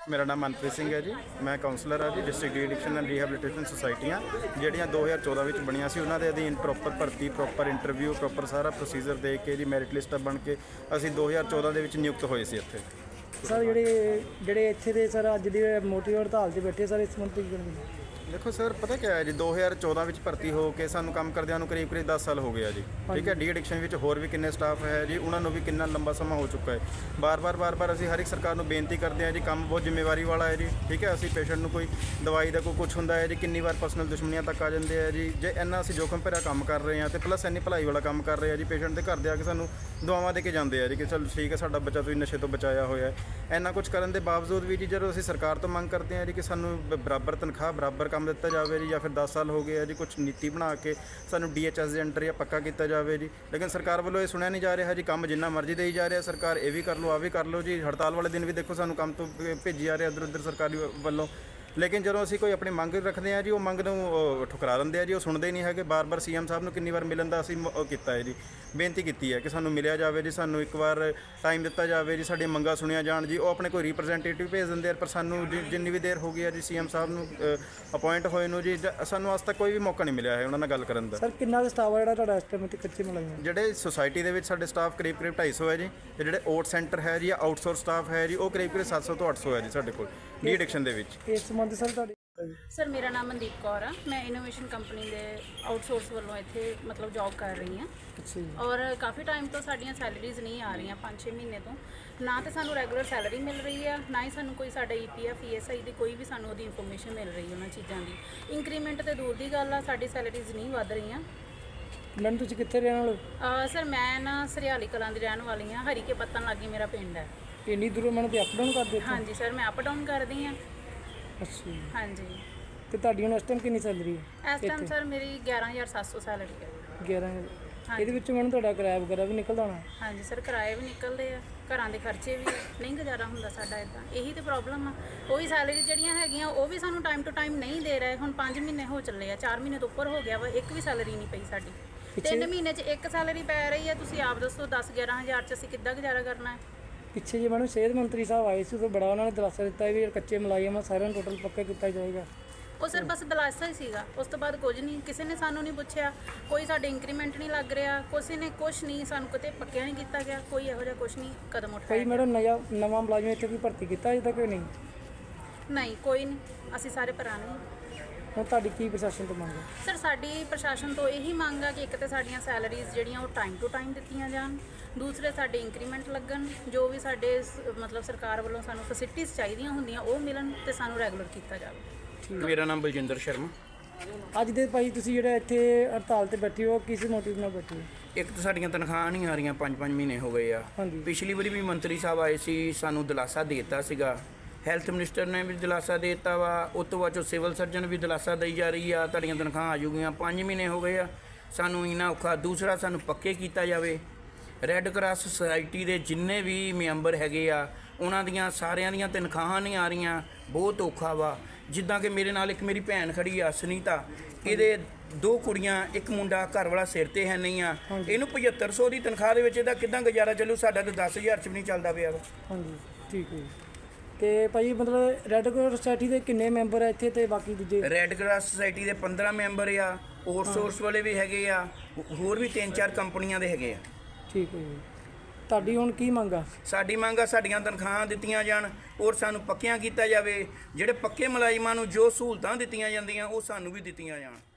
ਮੇਰਾ ਨਾਮ ਮਨਪ੍ਰੀਤ ਸਿੰਘ ਹੈ ਜੀ। ਮੈਂ ਕਾਉਂਸਲਰ ਹਾਂ ਜੀ ਡਿਸਟ੍ਰਿਕਟ ਡੀ-ਐਡਿਕਸ਼ਨ ਐਂਡ ਰੀਹੈਬਿਲਿਟੇਸ਼ਨ ਸੁਸਾਇਟੀਆਂ ਜਿਹੜੀਆਂ 2014 ਵਿੱਚ ਬਣੀਆਂ ਸੀ। ਉਹਨਾਂ ਦੇ ਅਧੀਨ ਪ੍ਰੋਪਰ ਭਰਤੀ, ਪ੍ਰੋਪਰ ਇੰਟਰਵਿਊ, ਪ੍ਰੋਪਰ ਸਾਰਾ ਪ੍ਰੋਸੀਜਰ ਦੇ ਕੇ ਜੀ ਮੈਰਿਟ ਲਿਸਟ ਬਣ ਕੇ ਅਸੀਂ 2014 ਦੇ ਵਿੱਚ ਨਿਯੁਕਤ ਹੋਏ ਸੀ ਇੱਥੇ। ਸਰ ਜਿਹੜੇ ਇੱਥੇ ਦੇ ਸਰ ਅੱਜ ਦੀ ਮੋਟੀ ਹੜਤਾਲ 'ਤੇ ਬੈਠੇ ਸਰ, ਇਸ ਸੰਬੰਧ ਕੀ ਕਰਨਗੇ? ਦੇਖੋ ਸਰ, ਪਤਾ ਕੀ ਹੈ ਜੀ, 2014 ਵਿੱਚ ਭਰਤੀ ਹੋ ਕੇ ਸਾਨੂੰ ਕੰਮ ਕਰਦਿਆਂ ਨੂੰ ਕਰੀਬ 10 ਸਾਲ ਹੋ ਗਏ ਆ ਜੀ। ਠੀਕ ਹੈ, ਡੀ-ਐਡਿਕਸ਼ਨ ਵਿੱਚ ਹੋਰ ਵੀ ਕਿੰਨੇ ਸਟਾਫ ਹੈ ਜੀ, ਉਹਨਾਂ ਨੂੰ ਵੀ ਕਿੰਨਾ ਲੰਬਾ ਸਮਾਂ ਹੋ ਚੁੱਕਾ ਹੈ। ਬਾਰ-ਬਾਰ ਅਸੀਂ ਹਰ ਇੱਕ ਸਰਕਾਰ ਨੂੰ ਬੇਨਤੀ ਕਰਦੇ ਹਾਂ ਜੀ, ਕੰਮ ਬਹੁਤ ਜ਼ਿੰਮੇਵਾਰੀ ਵਾਲਾ ਹੈ ਜੀ। ਠੀਕ ਹੈ, ਅਸੀਂ ਪੇਸ਼ੈਂਟ ਨੂੰ ਕੋਈ ਦਵਾਈ ਦਾ ਕੋਈ ਕੁਝ ਹੁੰਦਾ ਹੈ ਜੀ, ਕਿੰਨੀ ਵਾਰ ਪਰਸਨਲ ਦੁਸ਼ਮਣੀਆਂ ਤੱਕ ਆ ਜਾਂਦੇ ਆ ਜੀ। ਜੇ ਇੰਨਾ ਅਸੀਂ ਜੋਖਮ ਭਰਿਆ ਕੰਮ ਕਰ ਰਹੇ ਹਾਂ ਤੇ ਪਲੱਸ ਇੰਨੀ ਭਲਾਈ ਵਾਲਾ ਕੰਮ ਕਰ ਰਹੇ ਆ ਜੀ, ਪੇਸ਼ੈਂਟ ਦੇ ਘਰ ਦੇ ਆ ਕੇ ਸਾਨੂੰ ਦੁਆਵਾਂ ਦੇ ਕੇ ਜਾਂਦੇ ਆ ਜੀ ਕਿ ਚਲ ਠੀਕ ਹੈ, ਸਾਡਾ ਬੱਚਾ ਤੁਸੀਂ ਨਸ਼ੇ ਤੋਂ ਬਚਾਇਆ ਹੋਇਆ ਹੈ। ਇੰਨਾ ਕੁਝ ਕਰਨ ਦੇ ਬਾਵਜੂਦ ਵੀ ਜੀ ਜਦੋਂ ਅਸੀਂ ਸਰਕਾਰ ਤੋਂ ਮੰਗ ਕਰਦੇ ਹਾਂ ਜੀ ਕਿ ਸਾਨੂੰ ਬਰਾਬਰ ਤਨਖਾਹ, ਬਰਾਬਰ ਕੰਮ ਦਿੱਤਾ ਜਾਵੇ ਜੀ, ਜਾਂ ਫਿਰ 10 ਸਾਲ ਹੋ ਗਏ ਆ ਜੀ, ਕੁਝ ਨੀਤੀ ਬਣਾ ਕੇ ਸਾਨੂੰ DHS ਦੇ ਅੰਡਰ ਜਾਂ ਪੱਕਾ ਕੀਤਾ ਜਾਵੇ ਜੀ। ਲੇਕਿਨ ਸਰਕਾਰ ਵੱਲੋਂ ਇਹ ਸੁਣਿਆ ਨਹੀਂ ਜਾ ਰਿਹਾ ਜੀ। ਕੰਮ ਜਿੰਨਾ ਮਰਜ਼ੀ ਦੇਈ ਜਾ ਰਿਹਾ ਸਰਕਾਰ, ਇਹ ਵੀ ਕਰ ਲਓ, ਆ ਵੀ ਕਰ ਲਓ ਜੀ। ਹੜਤਾਲ ਵਾਲੇ ਦਿਨ ਵੀ ਦੇਖੋ ਸਾਨੂੰ ਕੰਮ ਤੋਂ ਭੇਜੀ ਜਾ ਰਿਹਾ ਇੱਧਰ ਉੱਧਰ ਸਰਕਾਰੀ ਵੱਲੋਂ। ਲੇਕਿਨ ਜਦੋਂ ਅਸੀਂ ਕੋਈ ਆਪਣੀ ਮੰਗ ਰੱਖਦੇ ਹਾਂ ਜੀ, ਉਹ ਮੰਗ ਨੂੰ ਠੁਕਰਾ ਦਿੰਦੇ ਆ ਜੀ, ਉਹ ਸੁਣਦੇ ਹੀ ਨਹੀਂ ਹੈਗੇ। ਬਾਰ-ਬਾਰ CM ਸਾਹਿਬ ਨੂੰ ਕਿੰਨੀ ਵਾਰ ਮਿਲਣ ਦਾ ਅਸੀਂ ਕੀਤਾ ਹੈ ਜੀ, ਬੇਨਤੀ ਕੀਤੀ ਹੈ ਕਿ ਸਾਨੂੰ ਮਿਲਿਆ ਜਾਵੇ ਜੀ, ਸਾਨੂੰ ਇੱਕ ਵਾਰ ਟਾਈਮ ਦਿੱਤਾ ਜਾਵੇ ਜੀ, ਸਾਡੀਆਂ ਮੰਗਾਂ ਸੁਣੀਆਂ ਜਾਣ ਜੀ। ਉਹ ਆਪਣੇ ਕੋਈ ਰਿਪਰੈਜ਼ੈਂਟੇਟਿਵ ਭੇਜ ਦਿੰਦੇ ਆ, ਪਰ ਸਾਨੂੰ ਜਿੰਨੀ ਵੀ ਦੇਰ ਹੋ ਗਈ ਹੈ ਜੀ CM ਸਾਹਿਬ ਨੂੰ ਅਪਾਇੰਟ ਹੋਏ ਨੂੰ ਜੀ, ਸਾਨੂੰ ਅੱਜ ਤੱਕ ਕੋਈ ਵੀ ਮੌਕਾ ਨਹੀਂ ਮਿਲਿਆ ਹੈ ਉਹਨਾਂ ਨਾਲ ਗੱਲ ਕਰਨ ਦਾ। ਸਰ ਕਿੰਨਾ ਕੁ ਸਟਾਫ ਹੈ ਜਿਹੜਾ ਤੁਹਾਡਾ ਇਸ ਟਾਈਮ ਤੇ ਕੱਚੇ ਮੁਲਾਜ਼ਮ? ਜਿਹੜੇ ਸੁਸਾਇਟੀ ਦੇ ਵਿੱਚ ਸਾਡੇ ਸਟਾਫ ਕਰੀਬ 250 ਹੈ ਜੀ, ਤੇ ਜਿਹੜੇ ਓਟ ਸੈਂਟਰ ਹੈ ਜੀ, ਆਊਟਸੋਰਸ ਸਟਾਫ ਹੈ ਜੀ, ਉਹ ਕਰੀਬ 700 ਤੋਂ 800 ਹੈ ਜੀ ਸਾਡੇ ਕੋਲ ਡੀ-ਐਡਿਕਸ਼ਨ ਦੇ ਵਿੱਚ। ਇਸ ਸੰਬੰਧ ਸਰ ਤੁਹਾਡੇ ਸਰ ਮੇਰਾ ਨਾਮ ਮਨਦੀਪ ਕੌਰ ਆ। ਮੈਂ ਇਨੋਵੇਸ਼ਨ ਕੰਪਨੀ ਦੇ ਆਊਟਸੋਰਸ ਵੱਲੋਂ ਇੱਥੇ ਮਤਲਬ ਜੌਬ ਕਰ ਰਹੀ ਹਾਂ। ਅੱਛਾ ਜੀ। ਔਰ ਕਾਫੀ ਟਾਈਮ ਤੋਂ ਸਾਡੀਆਂ ਸੈਲਰੀਜ਼ ਨਹੀਂ ਆ ਰਹੀਆਂ, 5-6 ਮਹੀਨੇ ਤੋਂ। ਨਾ ਤਾਂ ਸਾਨੂੰ ਰੈਗੂਲਰ ਸੈਲਰੀ ਮਿਲ ਰਹੀ ਆ, ਨਾ ਹੀ ਸਾਨੂੰ ਕੋਈ ਸਾਡਾ EPF ESI ਦੀ ਕੋਈ ਵੀ ਸਾਨੂੰ ਉਹਦੀ ਇਨਫੋਰਮੇਸ਼ਨ ਮਿਲ ਰਹੀ ਉਹਨਾਂ ਚੀਜ਼ਾਂ ਦੀ। ਇੰਕਰੀਮੈਂਟ ਤੇ ਦੂਰ ਦੀ ਗੱਲ ਆ, ਸਾਡੀ ਸੈਲਰੀਜ਼ ਨਹੀਂ ਵੱਧ ਰਹੀਆਂ। ਮੈਡਮ ਤੁਸੀਂ ਕਿੱਥੇ ਰਹਿਣ ਵਾਲੇ? ਸਰ ਮੈਂ ਨਾ ਸਰਿਆਲੀ ਕਲਾਂ ਦੀ ਰਹਿਣ ਵਾਲੀ ਹਾਂ। ਹਰੀਕੇ ਪੱਤਨ ਲਾਗੇ ਮੇਰਾ ਪਿੰਡ ਹੈ। ਇੰਨੀ ਦੂਰੋਂ ਮੈਨੂੰ ਤੇ ਅਪ ਡਾਊਨ ਕਰਦੇ? ਹਾਂਜੀ ਸਰ, ਮੈਂ ਅਪ ਡਾਊਨ ਕਰਦੀ ਹਾਂ। ਅੱਛਾ ਜੀ। ਹਾਂਜੀ। ਤੇ ਤੁਹਾਡੀ ਹੁਣ ਇਸ ਟਾਈਮ ਕਿੰਨੀ ਸੈਲਰੀ ਹੈ? ਇਸ ਟਾਈਮ ਸਰ ਮੇਰੀ 11,700 ਸੈਲਰੀ ਹੈ। 11,000। ਇਹਦੇ ਵਿੱਚ ਮੈਨੂੰ ਤੁਹਾਡਾ ਕਿਰਾਇਆ ਵਗੈਰਾ ਵੀ ਨਿਕਲਦਾ ਹੋਣਾ? ਹਾਂਜੀ ਸਰ, ਕਿਰਾਏ ਵੀ ਨਿਕਲਦੇ ਆ, ਘਰਾਂ ਦੇ ਖਰਚੇ ਵੀ, ਨਹੀਂ ਗੁਜ਼ਾਰਾ ਹੁੰਦਾ ਸਾਡਾ ਇੱਦਾਂ। ਇਹੀ ਤਾਂ ਪ੍ਰੋਬਲਮ ਆ। ਉਹੀ ਸੈਲਰੀ ਜਿਹੜੀਆਂ ਹੈਗੀਆਂ ਉਹ ਵੀ ਸਾਨੂੰ ਟਾਈਮ ਟੂ ਟਾਈਮ ਨਹੀਂ ਦੇ ਰਹੇ। ਹੁਣ 5 ਮਹੀਨੇ ਹੋ ਚੱਲੇ ਆ, 4 ਮਹੀਨੇ ਤੋਂ ਉੱਪਰ ਹੋ ਗਿਆ ਵਾ, ਇੱਕ ਵੀ ਸੈਲਰੀ ਨਹੀਂ ਪਈ ਸਾਡੀ। 3 ਮਹੀਨੇ 'ਚ ਇੱਕ ਸੈਲਰੀ ਪੈ ਰਹੀ ਹੈ। ਤੁਸੀਂ ਆਪ ਦੱਸੋ 10-11 ਹਜ਼ਾਰ 'ਚ ਅਸੀਂ ਕਿੱਦਾਂ ਗੁਜ਼ਾਰਾ ਕਰਨਾ ਹੈ? ਪਿੱਛੇ ਜੇ ਮੈਨੂੰ ਸਿਹਤ ਮੰਤਰੀ ਸਾਹਿਬ ਆਏ ਸੀ, ਉਦੋਂ ਬੜਾ ਉਹਨਾਂ ਨੇ ਦਿਲਾਸਾ ਦਿੱਤਾ ਵੀ ਕੱਚੇ ਮੁਲਾਜ਼ਮ ਸਾਰਿਆਂ ਨੂੰ ਟੋਟਲ ਪੱਕਾ ਕੀਤਾ ਜਾਏਗਾ। ਉਹ ਸਰ ਬਸ ਦਿਲਾਸਾ ਹੀ ਸੀਗਾ, ਉਸ ਤੋਂ ਬਾਅਦ ਕੁਝ ਨਹੀਂ। ਕਿਸੇ ਨੇ ਸਾਨੂੰ ਨਹੀਂ ਪੁੱਛਿਆ, ਕੋਈ ਸਾਡੇ ਇੰਕਰੀਮੈਂਟ ਨਹੀਂ ਲੱਗ ਰਿਹਾ, ਕਿਸੇ ਨੇ ਕੁਛ ਨਹੀਂ, ਸਾਨੂੰ ਕਿਤੇ ਪੱਕਿਆ ਨਹੀਂ ਕੀਤਾ ਗਿਆ, ਕੋਈ ਇਹੋ ਜਿਹਾ ਕੁਛ ਨਹੀਂ ਕਦਮ ਉਠਾਇਆ। ਕੋਈ ਮੈਡਮ ਨਵਾਂ ਮੁਲਾਜ਼ਮ ਇੱਥੇ ਕੋਈ ਭਰਤੀ ਕੀਤਾ ਅਜੇ ਤੱਕ ਨਹੀਂ? ਨਹੀਂ, ਕੋਈ ਨਹੀਂ। ਅਸੀਂ ਸਾਰੇ ਪੁਰਾਣੇ ਹਾਂ। ਹੁਣ ਤੁਹਾਡੀ ਕੀ ਪ੍ਰਸ਼ਾਸਨ ਤੋਂ ਮੰਗ ਹੈ? ਸਰ ਸਾਡੀ ਪ੍ਰਸ਼ਾਸਨ ਤੋਂ ਇਹੀ ਮੰਗ ਆ ਕਿ ਇੱਕ ਤਾਂ ਸਾਡੀਆਂ ਸੈਲਰੀਜ਼ ਜਿਹੜੀਆਂ ਉਹ ਟਾਈਮ ਟੂ ਟਾਈਮ ਦਿੱਤੀਆਂ ਜਾਣ, ਦੂਸਰੇ ਸਾਡੇ ਇੰਕਰੀਮੈਂਟ ਲੱਗਣ, ਜੋ ਵੀ ਸਾਡੇ ਮਤਲਬ ਸਰਕਾਰ ਵੱਲੋਂ ਸਾਨੂੰ ਫੈਸਿਲਿਟੀਜ਼ ਚਾਹੀਦੀਆਂ ਹੁੰਦੀਆਂ ਉਹ ਮਿਲਣ, ਤੇ ਸਾਨੂੰ ਰੈਗੂਲਰ ਕੀਤਾ ਜਾਵੇ। ਮੇਰਾ ਨਾਮ ਬਲਜਿੰਦਰ ਸ਼ਰਮਾ। ਅੱਜ ਦੇ ਭਾਈ ਤੁਸੀਂ ਜਿਹੜਾ ਇੱਥੇ ਹੜਤਾਲ ਤੇ ਬੈਠੇ ਹੋ, ਕਿਸ ਮੋਟਿਵ ਨਾਲ ਬੈਠੇ ਹੋ? ਇੱਕ ਤਾਂ ਸਾਡੀਆਂ ਤਨਖਾਹਾਂ ਨਹੀਂ ਆ ਰਹੀਆਂ, 5-5 ਮਹੀਨੇ ਹੋ ਗਏ ਆ। ਹਾਂਜੀ। ਪਿਛਲੀ ਵਾਰੀ ਵੀ ਮੰਤਰੀ ਸਾਹਿਬ ਆਏ ਸੀ, ਸਾਨੂੰ ਦਿਲਾਸਾ ਦੇ ਦਿੱਤਾ ਸੀਗਾ। ਹੈਲਥ ਮਿਨਿਸਟਰ ਨੇ ਵੀ ਦਿਲਾਸਾ ਦੇ ਦਿੱਤਾ ਵਾ। ਉਸ ਤੋਂ ਬਾਅਦ ਚੋਂ ਸਿਵਲ ਸਰਜਨ ਵੀ ਦਿਲਾਸਾ ਦੇਈ ਜਾ ਰਹੀ ਆ, ਤੁਹਾਡੀਆਂ ਤਨਖਾਹਾਂ ਆ ਜੂਗੀਆਂ। 5 ਮਹੀਨੇ ਹੋ ਗਏ ਆ, ਸਾਨੂੰ ਇੰਨਾ ਔਖਾ। ਦੂਸਰਾ, ਸਾਨੂੰ ਪੱਕੇ ਕੀਤਾ ਜਾਵੇ। ਰੈੱਡ ਕਰਾਸ ਸੁਸਾਇਟੀ ਦੇ ਜਿੰਨੇ ਵੀ ਮੈਂਬਰ ਹੈਗੇ ਆ, ਉਹਨਾਂ ਦੀਆਂ ਸਾਰਿਆਂ ਦੀਆਂ ਤਨਖਾਹਾਂ ਨਹੀਂ ਆ ਰਹੀਆਂ। ਬਹੁਤ ਔਖਾ ਵਾ। ਜਿੱਦਾਂ ਕਿ ਮੇਰੇ ਨਾਲ ਇੱਕ ਮੇਰੀ ਭੈਣ ਖੜੀ ਆ ਸੁਨੀਤਾ, ਇਹਦੇ 2 ਕੁੜੀਆਂ, ਇੱਕ ਮੁੰਡਾ, ਘਰ ਵਾਲਾ ਸਿਰ 'ਤੇ ਹੈ ਨਹੀਂ ਆ। ਇਹਨੂੰ 7500 ਦੀ ਤਨਖਾਹ ਦੇ ਵਿੱਚ ਇਹਦਾ ਕਿੱਦਾਂ ਗੁਜ਼ਾਰਾ ਚੱਲੂ? ਸਾਡਾ ਤਾਂ 10,000 'ਚ ਵੀ ਨਹੀਂ ਚੱਲਦਾ ਪਿਆ ਵਾ। ਹਾਂਜੀ, ਠੀਕ ਹੈ ਜੀ। ਤੇ ਭਾਈ ਮਤਲਬ ਰੈੱਡ ਕਰਾਸ ਸੁਸਾਇਟੀ ਦੇ ਕਿੰਨੇ ਮੈਂਬਰ ਆ ਇੱਥੇ, ਤੇ ਬਾਕੀ ਦੂਜੇ? ਰੈੱਡ ਕਰਾਸ ਸੁਸਾਇਟੀ ਦੇ 15 ਮੈਂਬਰ ਆ, ਆਊਟਸੋਰਸ ਵਾਲੇ ਵੀ ਹੈਗੇ ਆ, ਹੋਰ ਵੀ 3-4 ਕੰਪਨੀਆਂ ਦੇ ਹੈਗੇ ਆ। ਠੀਕ ਹੈ ਜੀ। ਤੁਹਾਡੀ ਹੁਣ ਕੀ ਮੰਗ ਆ? ਸਾਡੀ ਮੰਗ ਆ ਸਾਡੀਆਂ ਤਨਖਾਹਾਂ ਦਿੱਤੀਆਂ ਜਾਣ, ਔਰ ਸਾਨੂੰ ਪੱਕਿਆਂ ਕੀਤਾ ਜਾਵੇ। ਜਿਹੜੇ ਪੱਕੇ ਮੁਲਾਜ਼ਮਾਂ ਨੂੰ ਜੋ ਸਹੂਲਤਾਂ ਦਿੱਤੀਆਂ ਜਾਂਦੀਆਂ ਉਹ ਸਾਨੂੰ ਵੀ ਦਿੱਤੀਆਂ ਜਾਣ।